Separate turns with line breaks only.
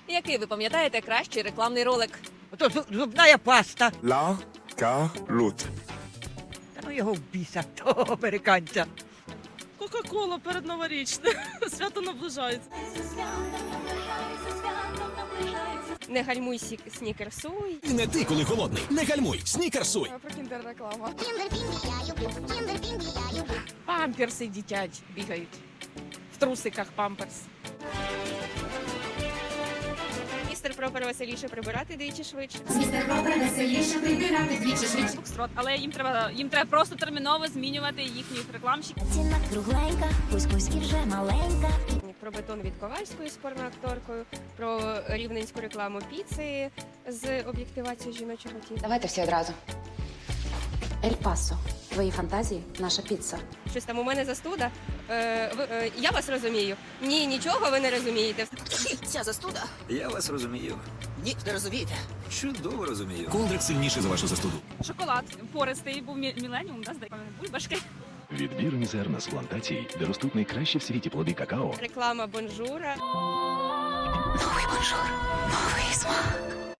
Який ви пам'ятаєте кращий рекламний ролик?
Ото зубна паста.
La Carlotte.
Та ну його в біса, того американця.
Кока-кола передноворічне. Свято наближається.
Не гальмуй, снікерсуй.
І не ти, коли голодний. Не гальмуй, снікерсуй.
Про кіндер-реклама.
Памперси дитячі бігають. В трусиках памперс.
Містер Пропер веселіше прибирати двічі швидше.
Містер Пропер веселіше прибирати двічі швидше.
Фокстрот. Але їм треба просто терміново змінювати їхніх рекламщиків.
Ціна кругленька, кусь-кусь і вже маленька.
Про бетон від Ковальської з порноакторкою, про рівненську рекламу піци з об'єктивацією жіночого тіла.
Давайте всі одразу. Ель Пасо. Твої фантазії – наша піца.
Щось там у мене застуда. Я вас розумію. Ні, нічого ви не розумієте.
Ця застуда?
Я вас розумію.
Ні, не розумієте.
Чудово розумію.
Колдрик сильніший за вашу застуду.
Шоколад. Пористий був міленіум, да, здається? Бульбашки.
Відбірні зерна з плантацій, де ростуть найкращі в світі плоди какао.
Реклама бонжура.
Новий бонжур, новий смак.